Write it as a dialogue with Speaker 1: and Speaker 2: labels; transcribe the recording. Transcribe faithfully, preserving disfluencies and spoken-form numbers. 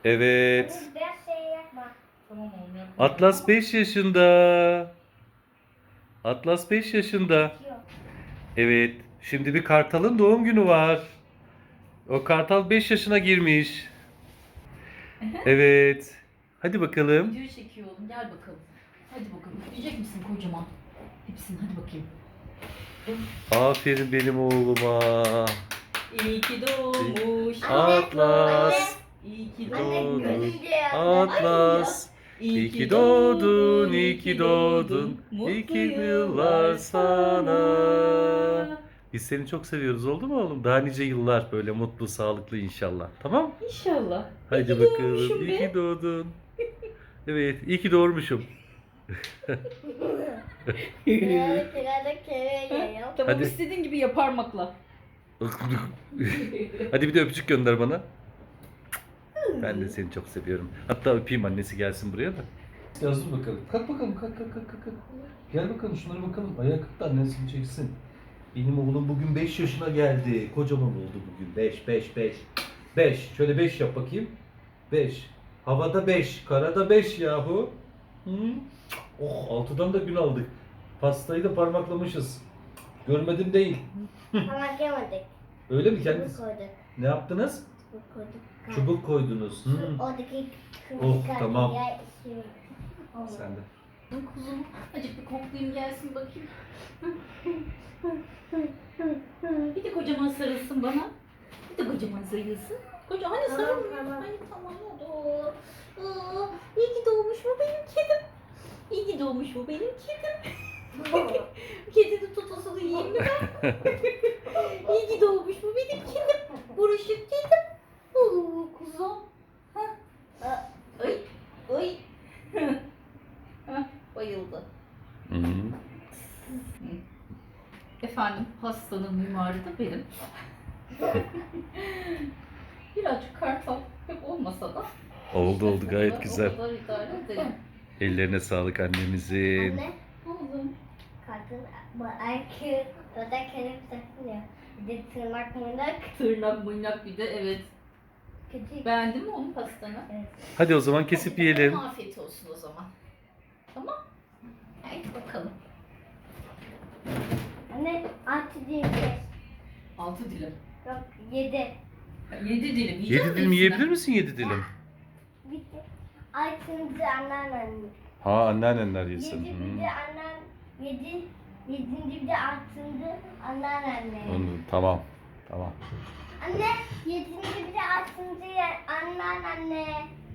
Speaker 1: Evet.
Speaker 2: Biraz şey yapma.
Speaker 3: Tamam oğlum yapma.
Speaker 1: Atlas beş yaşında. Atlas beş yaşında.
Speaker 2: Yok.
Speaker 1: Evet. Şimdi bir kartalın doğum günü var. O kartal beş yaşına girmiş. Evet. Hadi bakalım.
Speaker 3: Videoyu çekiyor oğlum, gel bakalım. Hadi bakalım, üfleyecek misin kocaman? Hepsini hadi bakayım.
Speaker 1: Aferin benim oğluma.
Speaker 3: İyi ki doğmuş.
Speaker 1: Atlas.
Speaker 3: İyi ki
Speaker 2: Anne
Speaker 1: Doğdun.
Speaker 2: görünce ya.
Speaker 1: Atlas. İyi ki doğdun, iyi ki doğdun. İyi ki yıllar sana. Biz seni çok seviyoruz, oldu mu oğlum? Daha nice yıllar böyle mutlu, sağlıklı inşallah. Tamam?
Speaker 3: İnşallah.
Speaker 1: Hadi
Speaker 3: İyi ki
Speaker 1: bakalım.
Speaker 3: doğmuşum
Speaker 1: İyi
Speaker 3: be.
Speaker 1: ki doğdun. Evet, iyi ki doğurmuşum.
Speaker 2: Biraz biraz kere yap.
Speaker 3: Tamam,
Speaker 1: Hadi.
Speaker 3: istediğin gibi yap parmakla.
Speaker 1: Hadi bir de öpücük gönder bana. Ben de seni çok seviyorum. Hatta öpeyim, annesi gelsin buraya da. Yazdır bakalım. Kalk bakalım, kalk kalk kalk kalk. Gel bakalım, şunlara bakalım. Ayağa kalk da annesini çeksin. Benim oğlum bugün beş yaşına geldi. Kocaman oldu bugün. beş, beş, beş. beş. Şöyle beş yap bakayım. beş. Havada beş, karada beş yahu. Hı? Oh, altıdan da gün aldık. Pastayı da parmaklamışız. Görmedim değil.
Speaker 2: Ama yemedik.
Speaker 1: Öyle mi
Speaker 2: Çubuk
Speaker 1: kendiniz?
Speaker 2: koyduk.
Speaker 1: Ne yaptınız?
Speaker 2: Çubuk koyduk.
Speaker 1: Çubuk koydunuz. Hı.
Speaker 2: Şu Oradaki
Speaker 1: Oh,
Speaker 2: kırmızı
Speaker 1: tamam.
Speaker 2: yer şey. Oldu.
Speaker 1: Sen de.
Speaker 3: Kuzum, acık bir koklayayım gelsin bakayım. Bir de kocaman sarılsın bana. Bir de kocaman sarılsın. Koca hani
Speaker 2: Tamam,
Speaker 3: sarılmıyor.
Speaker 2: tamam.
Speaker 3: Hani tamam oldu. Aa, iyi ki doğmuş bu benim kedim. İyi ki doğmuş bu benim kedim. Kedinin tutusunu yiyeyim mi ben? İyi ki doğmuş bu benim kedim. Buruşuk kedim. Oo kuzum. Hah. Ay, ay. Hah, bayıldı.
Speaker 1: Hı hı.
Speaker 3: Efendim, hastanın mimarı da benim. Birazcık kartal pek olmasa da.
Speaker 1: Oldu oldu, gayet
Speaker 3: o
Speaker 1: güzel.
Speaker 3: kadar idare edelim.
Speaker 1: Ellerine sağlık annemizin.
Speaker 2: Anne,
Speaker 3: Oğlum.
Speaker 2: kadın bu erkek o da kelim takılıyor. Bir de tırnak mırnak
Speaker 3: Tırnak mırnak bir de evet.
Speaker 2: kötü.
Speaker 3: Beğendin mi onun pastanı?
Speaker 2: Evet.
Speaker 1: Hadi o zaman kesip yiyelim.
Speaker 3: Afiyet olsun o zaman. Tamam. Hadi bakalım.
Speaker 2: Anne altı değil beş.
Speaker 3: Altı dilim.
Speaker 2: Yok yedi.
Speaker 3: Yedi dilim. Yiyecek
Speaker 1: Yedi
Speaker 3: misin
Speaker 1: dilim
Speaker 3: hepsini?
Speaker 1: yiyebilir misin, yedi dilim?
Speaker 2: Bitti. Altıncı anneannem.
Speaker 1: Ha, anneannenler yesin.
Speaker 2: Yedi
Speaker 1: Hı.
Speaker 2: bir de annem. Yedi. Yedinci bir de altıncı anneannem.
Speaker 1: Onu, tamam. Tamam.
Speaker 2: Anne yedinci bir de altıncı anneanne.